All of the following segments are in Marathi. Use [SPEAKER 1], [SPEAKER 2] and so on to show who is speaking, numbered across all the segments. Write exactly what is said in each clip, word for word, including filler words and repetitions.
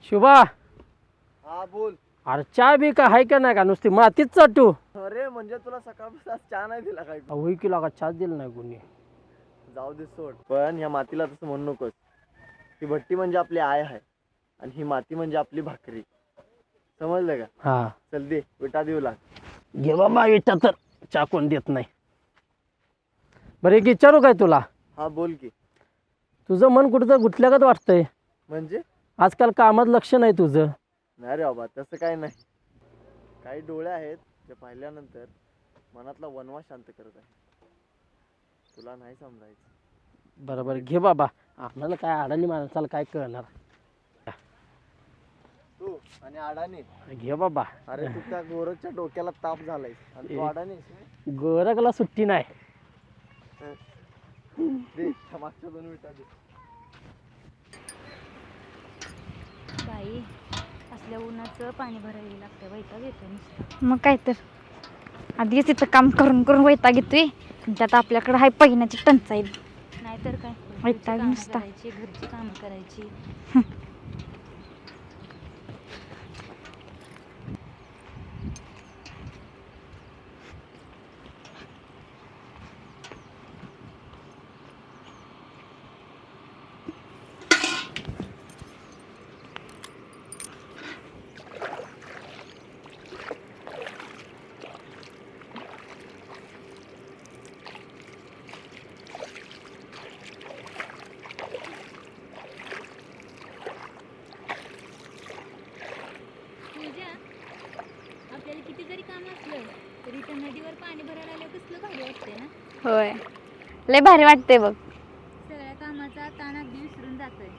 [SPEAKER 1] शुभा,
[SPEAKER 2] हा बोल.
[SPEAKER 1] अरे चहा बी का हाय का नाही का, नुसती मातीच चाटू.
[SPEAKER 2] अरे म्हणजे तुला सकाळपासून आज चहा नाही दिला काय?
[SPEAKER 1] होई की लागा, चहाच दिला नाही कोणी.
[SPEAKER 2] जाऊ दे सोड, पण या मातीला तसं म्हणू नकोस. ही भट्टी म्हणजे आपली आई आहे आणि ही माती म्हणजे आपली भाकरी. समजलं का?
[SPEAKER 1] हा
[SPEAKER 2] चल दे विटा देऊ लाग.
[SPEAKER 1] घे बाबा विटा, तर चहा कोण देत नाही. बरं एक विचारू काय तुला?
[SPEAKER 2] हा बोल की.
[SPEAKER 1] तुझं मन कुठं गुंतल्यागत वाटतंय.
[SPEAKER 2] म्हणजे
[SPEAKER 1] आजकाल कामात लक्ष नाही तुझं.
[SPEAKER 2] नाही रे बाबा, तसं काही नाही. काही डोळे आहेत जे पाहिल्यानंतर मनातला वनवा शांत करत आहे. तुला नाही समजायचं.
[SPEAKER 1] बरोबर, घे बाबा. आपल्याला काय अडाणी माणसाला काय कळणार.
[SPEAKER 2] तू आणि अडाणी.
[SPEAKER 1] घे बाबा.
[SPEAKER 2] अरे तू त्या गोरखच्या डोक्याला ताप झालाय आणि तू अडाणी.
[SPEAKER 1] गोरखला सुट्टी नाही.
[SPEAKER 2] दे मागच्या दोन विटा दे.
[SPEAKER 3] बाई, असल्या उन्हाचं पाणी भरायला लागतं, वैताग येतो नुसतं. मग काय तर, आधीच तिथं काम करून करून वैताग येतोय, त्यात आपल्याकडे हाय पहिण्याची टंचाई. नाहीतर काय, वैताग नुसता. घरची कामं करायची. आपल्याला किती जरी काम असलं तरी त्या नदीवर पाणी भरायला आलं कसलं भारी वाटते ना. होय, लय भारी वाटते बघ. सगळ्या कामाचा ताण अगदी विसरून जातोय.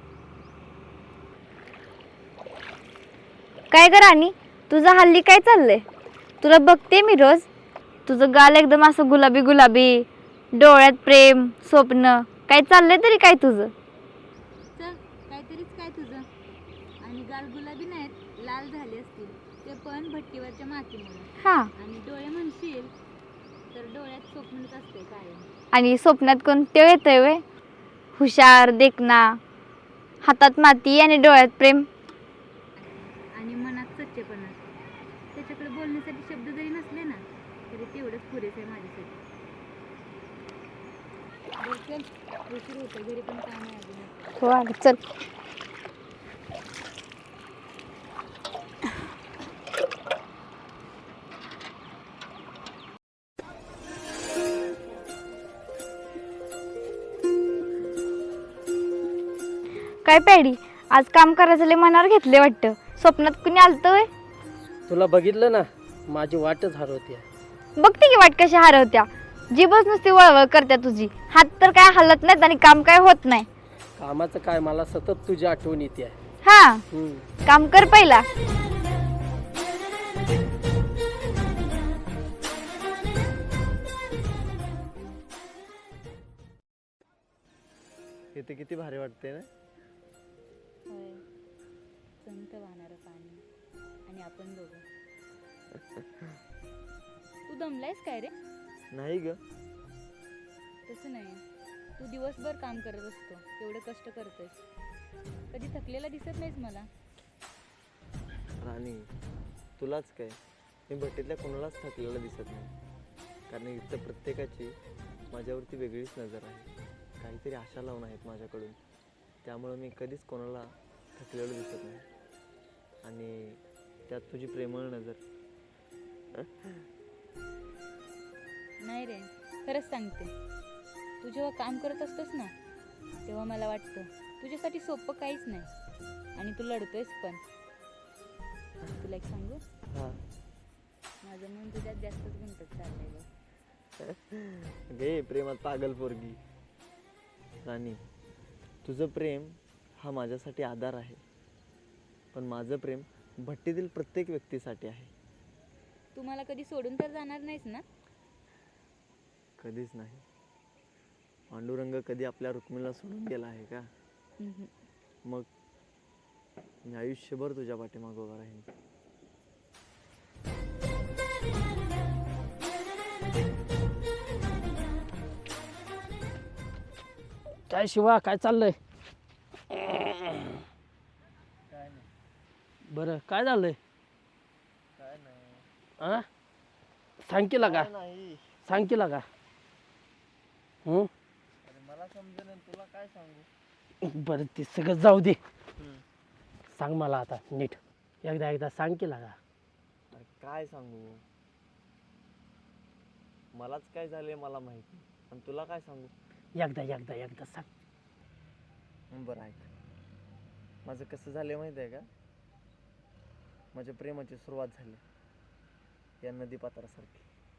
[SPEAKER 3] काय कर राणी, तुझं हल्ली काय चाललंय? तुला बघते मी रोज, तुझं गाल एकदम असं गुलाबी गुलाबी, डोळ्यात प्रेम स्वप्न, काय चाललंय तरी काय तुझं? काहीतरीच काय तुझं. आणि गाल गुलाबी नाहीत, लाल झाले असतील, ते पण भट्टीवरच्या मातीमुळे. हा, आणि डोळे म्हणशील तर डोळ्यात स्वप्नच असते कायम. आणि स्वप्नात कोणते येतंय वे? हुशार, देखना, हातात माती आणि डोळ्यात प्रेम आणि मनात सच्चेपणा. त्याच्याकडे बोलण्यासाठी शब्द जरी नसले ना तरी तेवढंच पुरेसे आहे माझ्यासाठी. उशीर होतं, घरी पण काम आहे अजून. हो अगं चल. काय पॅडी, आज काम करायचं लय मनावर घेतले वाटतं. स्वप्नात कुणी आलतं व्हय?
[SPEAKER 1] तुला बघितलं ना, माझी वाटच हरवते.
[SPEAKER 3] बघते की वाट कशी हरवत्या. जीभच नुसती वळवळ करत्या तुझी. हात तर काय हलत नाहीत आणि काम काय होत नाही.
[SPEAKER 1] कामाचं काय, मला सतत तुझी आठवण येते.
[SPEAKER 3] हा, काम कर पहिला.
[SPEAKER 2] इथे किती भारी वाटते ना.
[SPEAKER 3] संत वाहणारं पाणी आणि आपण दोघं. तू दमलायस काय रे?
[SPEAKER 2] नाही ग.
[SPEAKER 3] तसं नाही, तू दिवसभर काम करत असतो, एवढे कष्ट करतोयस, कधी थकलेला दिसत नाहीस मला.
[SPEAKER 2] राणी, तुलाच काय, मी भट्टीतल्या कोणालाच थकलेला दिसत नाही. कारण इथं प्रत्येकाची माझ्यावरती वेगळीच नजर आहे. काहीतरी आशा लावून आहेत माझ्याकडून, त्यामुळं मी कधीच कोणाला थकलेलं दिसत नाही. आणि त्यात तुझी प्रेमळ नजर.
[SPEAKER 3] नाही रे, खरंच सांगते, तू जेव्हा काम करत असतोस ना तेव्हा मला वाटतं तुझ्यासाठी सोपं काहीच नाही आणि तू लढतोयस पण. तुला एक सांगू?
[SPEAKER 2] हा,
[SPEAKER 3] माझं मन तुझ्यात जास्तच गुंतत चाललंय बघ.
[SPEAKER 2] घे प्रेमात पागल पोरगी. राणी, तुझं प्रेम हा माझ्यासाठी आधार आहे, पण माझं प्रेम भट्टीतील प्रत्येक व्यक्तीसाठी आहे.
[SPEAKER 3] तू मला कधी सोडून तर जाणार नाहीस ना?
[SPEAKER 2] कधीच नाही. पांडुरंग कधी आपल्या रुक्मिणीला सोडून गेला आहे का? मग मी आयुष्यभर तुझ्या पाठीमागे उभा राहीन.
[SPEAKER 1] काय शिवा, काय चाललंय?
[SPEAKER 2] काय नाही.
[SPEAKER 1] बरं काय झालंय
[SPEAKER 2] काय नाही
[SPEAKER 1] आ सांग केला का
[SPEAKER 2] काय नाही
[SPEAKER 1] सांग केला का हं?
[SPEAKER 2] अरे मला समजेल तुला काय सांगू.
[SPEAKER 1] बरं ते सगळं जाऊ दे सांग मला आता नीट एकदा एकदा सांग केला का
[SPEAKER 2] अरे काय सांगू, मलाच काय झालंय मला माहिती आणि तुला काय सांगू.
[SPEAKER 1] एकदा एकदा एकदा सांग
[SPEAKER 2] बरं ऐक, माझं कसं झालं माहिती आहे का, माझ्या प्रेमाची सुरुवात झाली या नदी पात्रासारखी.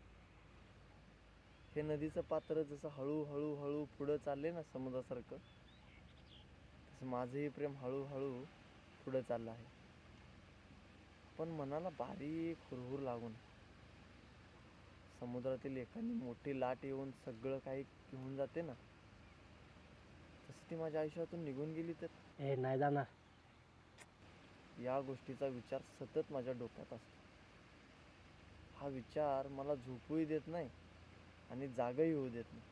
[SPEAKER 2] हे नदीचं पात्र जसं हळूहळू हळू पुढं चालले ना समुद्रासारखं, तसं माझंही प्रेम हळूहळू पुढं चाललं आहे. पण मनाला बारीक हुरहुर लागून समुद्रातील एखादी मोठी लाट येऊन सगळं काही घेऊन जाते ना, तसं ती माझ्या आयुष्यातून निघून गेली तर.
[SPEAKER 1] ए नाही जाणार.
[SPEAKER 2] या गोष्टीचा विचार सतत माझ्या डोक्यात असतो. हा विचार मला झोपूही देत नाही आणि जागही होऊ देत नाही.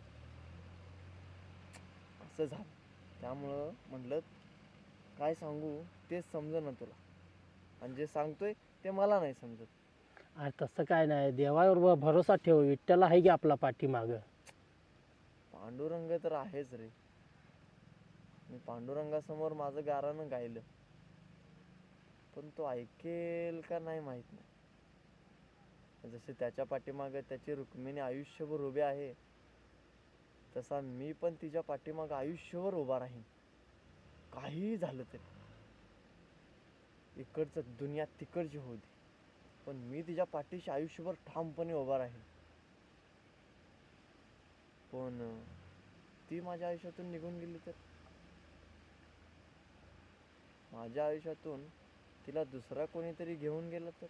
[SPEAKER 2] असं झालं, त्यामुळं म्हटलं काय सांगू तेच समजेना तुला, आणि जे सांगतोय ते मला नाही समजत.
[SPEAKER 1] अरे तसं काय नाही, देवावर भरोसा ठेव, विठ्ठल आहे की आपला पाठीमाग.
[SPEAKER 2] पांडुरंग तर आहेच रे. मी पांडुरंगासमोर माझं गारानं गायलं, पण तो ऐकेल का नाही माहित नाही. जसे त्याच्या पाठीमागे त्याची रुक्मिणी आयुष्यभर उभी आहे, तसा मी पण तिच्या पाठीमागे आयुष्यभर उभा राहीन, काहीही झालं तरी. इकडचं दुनिया तिकडची होऊ दे, पण मी तिच्या पाठीशी आयुष्यभर ठामपणे उभा राहीन. पण ती माझ्या आयुष्यातून निघून गेली तर, माझ्या आयुष्यातून तिला दुसरा कोणीतरी घेऊन गेला तर.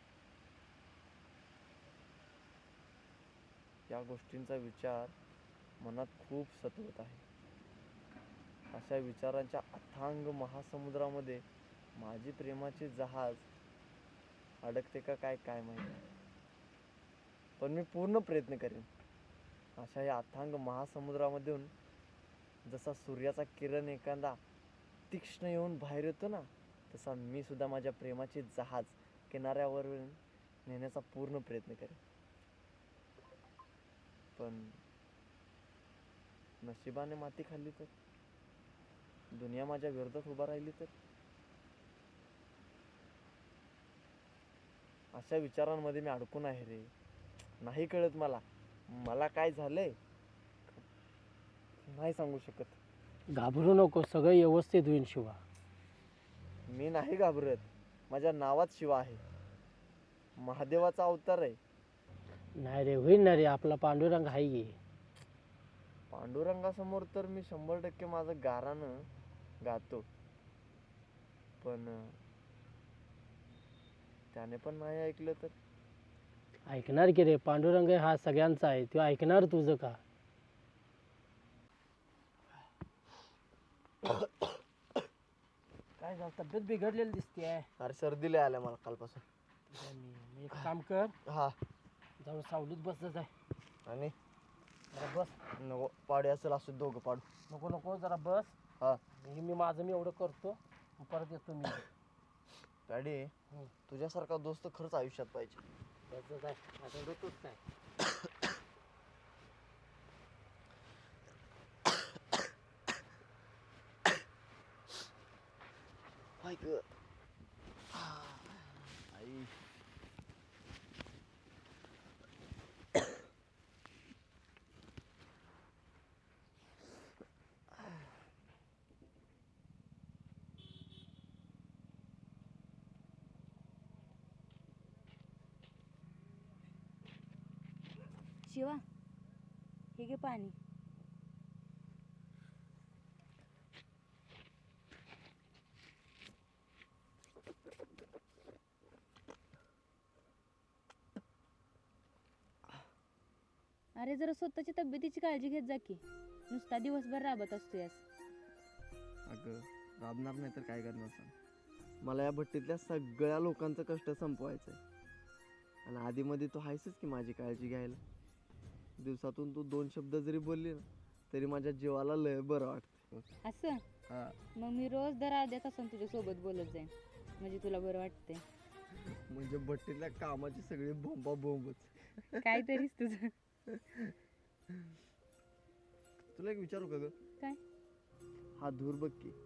[SPEAKER 2] या गोष्टींचा विचार मनात खूप सतवत आहे. अशा विचारांच्या अथांग महासमुद्रामध्ये माझी प्रेमाची जहाज अडकते का काय काय माहिती, पण मी पूर्ण प्रयत्न करेन. अशा या अथांग महासमुद्रामधून जसा सूर्याचा किरण एखादा तीक्ष्ण येऊन बाहेर येतो ना, तसा मी सुद्धा माझ्या प्रेमाची जहाज किनाऱ्यावर नेण्याचा पूर्ण प्रयत्न करेन. पण नशिबाने माती खाल्ली तर, दुनिया माझ्या विरोधात उभा राहिली तर. अशा विचारांमध्ये मी अडकून आहे रे. नाही कळत मला मला काय झालंय, नाही सांगू शकत.
[SPEAKER 1] घाबरू नको, सगळं व्यवस्थित होईल शिवा.
[SPEAKER 2] मी नाही घाबरत, माझ्या नावात शिवा आहे, महादेवाचा अवतार आहे.
[SPEAKER 1] नाही रे, होईल ना रे, आपला पांडुरंग आहे की.
[SPEAKER 2] पांडुरंगासमोर तर मी शंभर टक्के माझं गारानं गातो, पण त्याने पण नाही ऐकलं तर.
[SPEAKER 1] ऐकणार की रे, पांडुरंग हा सगळ्यांचा आहे, तो ऐकणार तुझं का. काय झालं, तब्येत बिघडलेली दिसते.
[SPEAKER 2] अरे सर्दी लय आल्या मला कालपासून.
[SPEAKER 1] एक काम कर,
[SPEAKER 2] हा,
[SPEAKER 1] जाऊन सावलीत बस जाय.
[SPEAKER 2] आणि
[SPEAKER 1] जरा बस.
[SPEAKER 2] नको, पाडे असेल असं दोघं पाडू.
[SPEAKER 1] नको नको, जरा बस.
[SPEAKER 2] हा,
[SPEAKER 1] हे मी माझं मी एवढं करतो, परत येतो मी.
[SPEAKER 2] डॅडी,
[SPEAKER 1] हं.
[SPEAKER 2] तुझ्यासारखा दोस्त खरंच आयुष्यात पाहिजे.
[SPEAKER 1] बस जाय, आता रडतोच काय.
[SPEAKER 2] हाय ग आई.
[SPEAKER 3] शिवा, हे घे पाणी. अरे जरा स्वतःची तब्येतीची काळजी घेत जा की, नुसता दिवसभर राबत असतो यास.
[SPEAKER 2] अगं राबणार नाही तर काय करणार सांग. मला या भट्टीतल्या सगळ्या लोकांचं कष्ट संपवायचं आहे, आणि आधीमध्ये तू आहेसच की माझी काळजी घ्यायला. दिवसातून तू दोन शब्द जरी बोलली ना, तरी माझ्या जीवाला लय बरं वाटतं.
[SPEAKER 3] असं
[SPEAKER 2] हा,
[SPEAKER 3] मग मी रोज दर अर्ध्या तासानं तुझ्या सोबत बोलत जाईन.
[SPEAKER 4] म्हणजे तुला बरं वाटते.
[SPEAKER 2] म्हणजे भट्टीतल्या कामाची सगळी बोंबा बोंबच.
[SPEAKER 4] काहीतरीच तुझं.
[SPEAKER 2] तुला एक विचारू का ग?
[SPEAKER 4] काय
[SPEAKER 2] हा धूर बघ की.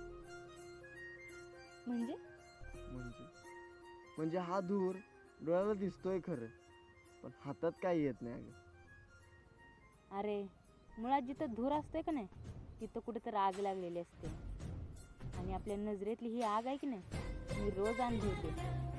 [SPEAKER 4] म्हणजे?
[SPEAKER 2] म्हणजे म्हणजे हा धूर डोळ्याला दिसतोय खरं, पण हातात काही येत नाही अगं.
[SPEAKER 4] अरे मुळात जिथं धूर असतोय का नाही तिथं कुठं तर आग लागलेली असते. आणि आपल्या नजरेतली ही आग आहे की नाही, मी रोज अंधवते.